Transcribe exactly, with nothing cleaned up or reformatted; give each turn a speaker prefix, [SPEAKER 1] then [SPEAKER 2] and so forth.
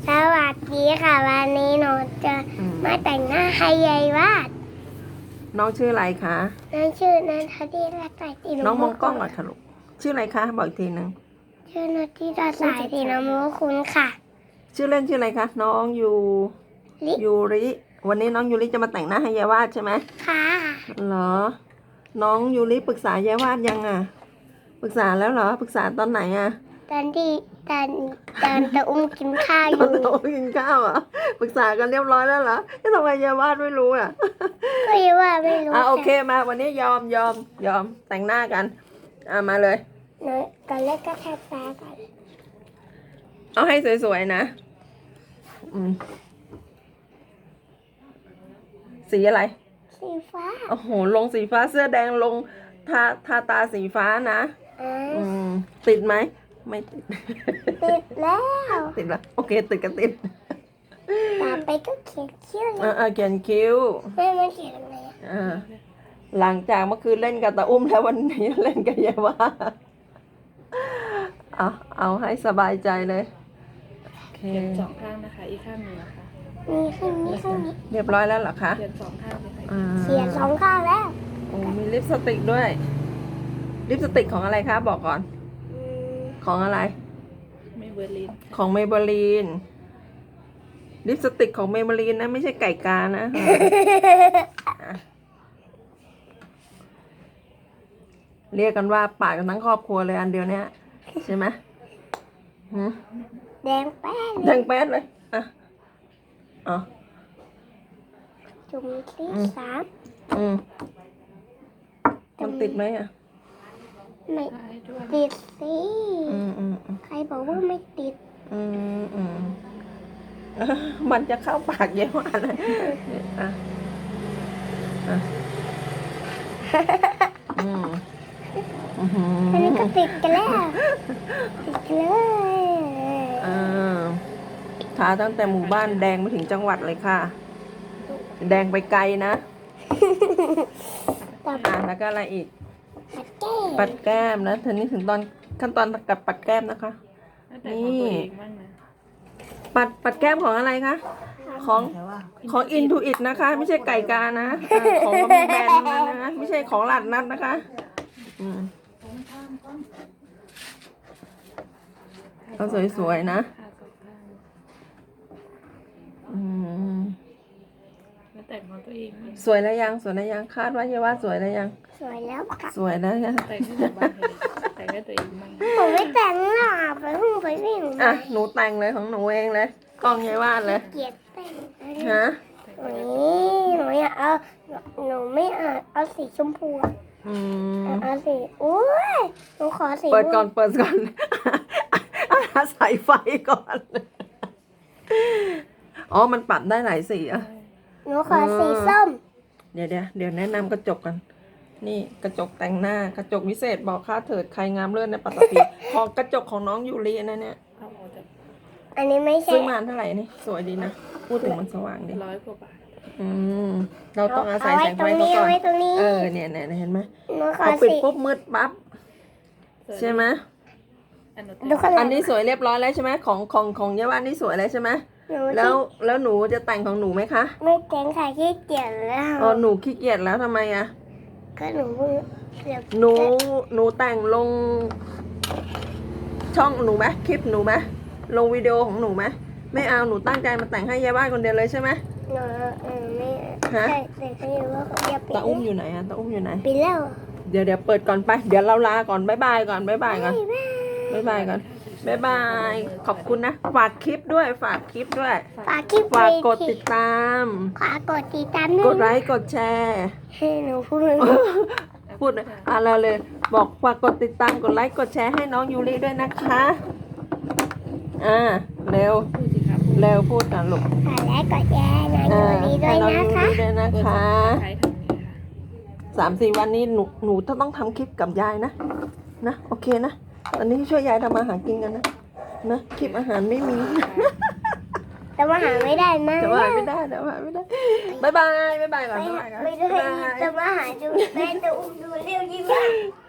[SPEAKER 1] สวัสดีค่ะวันนี้หนูจะ
[SPEAKER 2] อืม
[SPEAKER 1] มาแต่งหน้าให้ยายวาด
[SPEAKER 2] น้องชื่ออะไรคะ
[SPEAKER 1] นั่นชื่อนันทดีรัตน์สายสี
[SPEAKER 2] น้องมองกล้องหน่อยค่ะลูกชื่ออะไรคะบอกอีกทีหนึ่ง
[SPEAKER 1] ชื่อนันทดีรัตน์สายสีน้ำมูคุณค่ะ
[SPEAKER 2] ชื่อเล่นชื่ออะไรคะน้องยู
[SPEAKER 1] ลิ
[SPEAKER 2] ยูริวันนี้น้องยูริจะมาแต่งหน้าให้ยายวาดใช่ไหม
[SPEAKER 1] ค่ะ
[SPEAKER 2] เหรอ น้องยูริปรึกษายายวาดยังอ่ะปรึกษาแล้วเหรอปรึกษาตอนไหนอ่ะ
[SPEAKER 1] ตอนที่ตอนตอนตะอุ้มกินข้าวอ
[SPEAKER 2] ตอน
[SPEAKER 1] ยู่
[SPEAKER 2] โตกินข้าวเหรอ่ะปรึกษากันเรียบร้อยแล้วเหรอทำไมยายวาดไม่รู้อ่ะ
[SPEAKER 1] ก็ยังว่าไม่รู้
[SPEAKER 2] อ่ะโอเคมาวันนี้ยอมยอมยอมแต่งหน้ากันอ่ะมาเลย
[SPEAKER 1] หนูตอนแรกก็แค่แป๊ก่อน
[SPEAKER 2] เอาให้สวยๆนะอืมสีอะไร
[SPEAKER 1] สีฟ้า
[SPEAKER 2] โอ้โห ลงสีฟ้าเสื้อแดงลงทาทาตาสีฟ้านะ
[SPEAKER 1] อ่า
[SPEAKER 2] อืม ติดไหม ไม่ติด
[SPEAKER 1] ติดแล้ว
[SPEAKER 2] ติดละโอเค ติดกันติด
[SPEAKER 1] ต่อไปก็เขียนชื่อ
[SPEAKER 2] เออเออเขียนคิ้ว
[SPEAKER 1] แม่มันเขียนอะไรอะ
[SPEAKER 2] เออหลังจากเมื่อคืนเล่นกับตาอุ้มแล้ววันนี้เล่นกับยายว่าเอาเอาให้สบายใจเลยโอเค
[SPEAKER 3] เขียนสองข้างนะคะ อีกข้างหนึ่งนะคะ
[SPEAKER 1] มีข้างนี้ข้างนี้
[SPEAKER 2] เรียบร้อยแล้วเหรอคะ
[SPEAKER 3] เขียนสองข้างเลยค่ะ
[SPEAKER 2] อ่า
[SPEAKER 1] เขียนสองข้างแล้ว
[SPEAKER 2] โอ้มีลิปสติกด้วย ลิปสติกของอะไรคะบอกก่อน
[SPEAKER 1] อืม
[SPEAKER 2] ของอะไร
[SPEAKER 3] ไม่เบอร์ลิน
[SPEAKER 2] ของเมเบลีน ลิปสติกของเมเบลีนนะ ไม่ใช่ไก่กานะ อ่ะเรียกกันว่าปากกันทั้งครอบครัวเลยอันเดียวเนี้ยใช่ไหมหืม
[SPEAKER 1] แดงแป้ง
[SPEAKER 2] แดงแป๊ดเลย อ่ะอ๋อ
[SPEAKER 1] จุ่มที่
[SPEAKER 2] อืม
[SPEAKER 1] สาม
[SPEAKER 2] อืมมันติดไหมอ่ะ
[SPEAKER 1] ไม่
[SPEAKER 3] ท้ายด้วย
[SPEAKER 1] ติดสิ
[SPEAKER 2] อืมอืมอืม
[SPEAKER 1] ใครบอกว่าไม่ติด
[SPEAKER 2] อืมอืมเอ้อมันจะเข้าปากเยอะมากเลยอ่ะอ่ะอืมอื้อหื
[SPEAKER 1] อันนี้ก็
[SPEAKER 2] อ
[SPEAKER 1] ติดกันแล้วติดกันเลย
[SPEAKER 2] อ่าทาตั้งแต่หมู่บ้านแดงมาถึงจังหวัดเลยค่ะ แดงไปไกลนะ
[SPEAKER 1] ต่อไป
[SPEAKER 2] อ่าแล้วก็อะไรอีก
[SPEAKER 1] ปัดแก้ม
[SPEAKER 2] ปัดแก้มนะทีนี้ถึงตอนขั้นตอนกับปัดแก้มนะคะ
[SPEAKER 3] แล้วแต่ของตัวเองบ้างนะ
[SPEAKER 2] ปัดปัดแก้มของอะไรคะ ของของอินทูอิตนะคะ ไม่ใช่ไก่กานะอ่าของก็มีแบรนด์ทั้งนั้นนะคะไม่ใช่ของหลาดนัดนะคะ อืมเอาสวยๆนะ
[SPEAKER 3] ข้างสองข้าง
[SPEAKER 2] อืม
[SPEAKER 3] แล้วแต่ของตัวเองบ้าง
[SPEAKER 2] สวยแล้วยังสวยแล้วยังคาดว่าเยาว่าสวยแล้วยัง
[SPEAKER 1] สวยแล้วค่ะ
[SPEAKER 2] สวยแล้วยัง
[SPEAKER 3] แต่งให้ตัวบ้างเลยแต่งให้ตัวเองบ้าง
[SPEAKER 1] ผมไม่แต่งหน้าไปเพิ่งไปวิ่ง
[SPEAKER 2] อ่ะ
[SPEAKER 1] มา
[SPEAKER 2] หนูแต่งเลยของหนูเองเลยกล้องเยาว่าเลย
[SPEAKER 1] เกลียดแต่ง
[SPEAKER 2] ฮะ
[SPEAKER 1] นี่หนูอยากเอาหนูไม่เอาเอาสีชมพูอะ
[SPEAKER 2] อืม
[SPEAKER 1] เอาสีอุ้ยหนูขอสี
[SPEAKER 2] เปิดก่อนเปิดก่อน อาใส่ไฟก่อน อ๋อ มันปรับได้หลายสีอ่ะ
[SPEAKER 1] หนูขอสีส้ม
[SPEAKER 2] เดี๋ยวเดี๋ยวเดี๋ยวแนะนำกระจกกัน นี่กระจกแต่งหน้ากระจกวิเศษบอกค่าเถิดใครงามเลิศในปัตตภี ของกระจกของน้องยูรินะเนี่ย
[SPEAKER 3] เอาออกจาก
[SPEAKER 1] อันนี้ไม่ใช่
[SPEAKER 2] ซื้อมาเท่าไหร่นี่สวยดีนะ พูดถึงมันสว่างดี
[SPEAKER 3] ร้อยกว่าบาท
[SPEAKER 2] อืม เราต้องอาศัย
[SPEAKER 1] เไว้
[SPEAKER 2] แสง
[SPEAKER 1] ตร
[SPEAKER 2] ไฟ
[SPEAKER 1] ง
[SPEAKER 2] เขา
[SPEAKER 1] นี้
[SPEAKER 2] ก่อ
[SPEAKER 1] เอา
[SPEAKER 2] น
[SPEAKER 1] ไว้ตรงนี้
[SPEAKER 2] เออเนี่ยเนี่ยเห็นไหม
[SPEAKER 1] หนูขอ
[SPEAKER 2] พอปิด
[SPEAKER 1] สี
[SPEAKER 2] ปุ๊บมืดปั๊บใช่ไหม
[SPEAKER 3] อันนู้น
[SPEAKER 1] ดูข้างหลั
[SPEAKER 2] อั
[SPEAKER 1] ง
[SPEAKER 2] นนี้สวยเรียบร้อยแล้วใช่ไหมของของของเยาวันนี่สวยแล้วใช่ไหม
[SPEAKER 1] หนู
[SPEAKER 2] แล้ว
[SPEAKER 1] ที่
[SPEAKER 2] แล้วหนูจะแต่งของหนูไหมคะ
[SPEAKER 1] ไม่แต่งค่ะขี้เกียจแล้ว
[SPEAKER 2] อ๋อหนูขี้เกียจแล้วทำไมอะ
[SPEAKER 1] ก็หนูเพิ่งเสียบ
[SPEAKER 2] หนูหนูแต่งลง ช่องหนูไหมคลิปหนูไหมลงวิดีโอของหนูไหมไม่เอาหนูตั้งใจมาแต่งให้ยายบ้านคนเดียวเลยใช่ไหม
[SPEAKER 1] หนูเออไม่
[SPEAKER 2] ฮะ
[SPEAKER 1] ใช่แต่ก็ยังว่าเขาจะปิด
[SPEAKER 2] ตาอุ้มอยู่ไหนอะตาอุ้มอยู่ไหน
[SPEAKER 1] ปิดแล้ว
[SPEAKER 2] เดี๋ยวเดี๋ยวเปิดก่อนไปเดี๋ยวเราลาก่อนบ๊ายบายก่อนบ๊ายบายก่อน
[SPEAKER 1] บ๊ายบาย
[SPEAKER 2] บ๊ายบายก่อนบ๊ายบายขอบคุณนะฝากคลิปด้วยฝากคลิปด้วย
[SPEAKER 1] ฝากคลิป
[SPEAKER 2] ฝากกด
[SPEAKER 1] ไว้
[SPEAKER 2] ติดตาม
[SPEAKER 1] ฝากกดติดตามด้วย
[SPEAKER 2] กดไลค์กดแชร์
[SPEAKER 1] ให้หนูพูด
[SPEAKER 2] พูดอ่ะเราเลย บอกฝากกดติดตามกดไลค์กดแชร์ให้น้องยูริด้วยนะคะอ่าเร็ว
[SPEAKER 3] พูดสิครับ
[SPEAKER 2] เร็วพูดกันลูก
[SPEAKER 1] ฝากและกดแชร์หน่อย
[SPEAKER 2] อ่า
[SPEAKER 1] ดีด้ว
[SPEAKER 2] ให้
[SPEAKER 1] ย
[SPEAKER 2] น้อง
[SPEAKER 1] นะ
[SPEAKER 2] ยู
[SPEAKER 1] คะ
[SPEAKER 2] ริด้วยนะ
[SPEAKER 3] เปิด
[SPEAKER 2] คะ
[SPEAKER 3] ใช้ทางนี้ค่ะ
[SPEAKER 2] สามสี่วันนี้หนูหนูต้องทำคลิปกับยายนะนะโอเคนะตอนนี้ช่วยยายทำอาหารกินกันนะนะคลิปอาหารไม่มี
[SPEAKER 1] แต่ว่าหาไม่ได้นะ
[SPEAKER 2] แต่ว่าไม่ได้แต่ว่าไม่ได้บ๊ายบายบ๊ายบายก่อน
[SPEAKER 1] ไม่
[SPEAKER 2] บ๊ายบายก่อน
[SPEAKER 1] ไม่ได้
[SPEAKER 2] บ๊ายบาย
[SPEAKER 1] แต่ว่าหาดูแม่ดูดูเร็วยิ่งมาก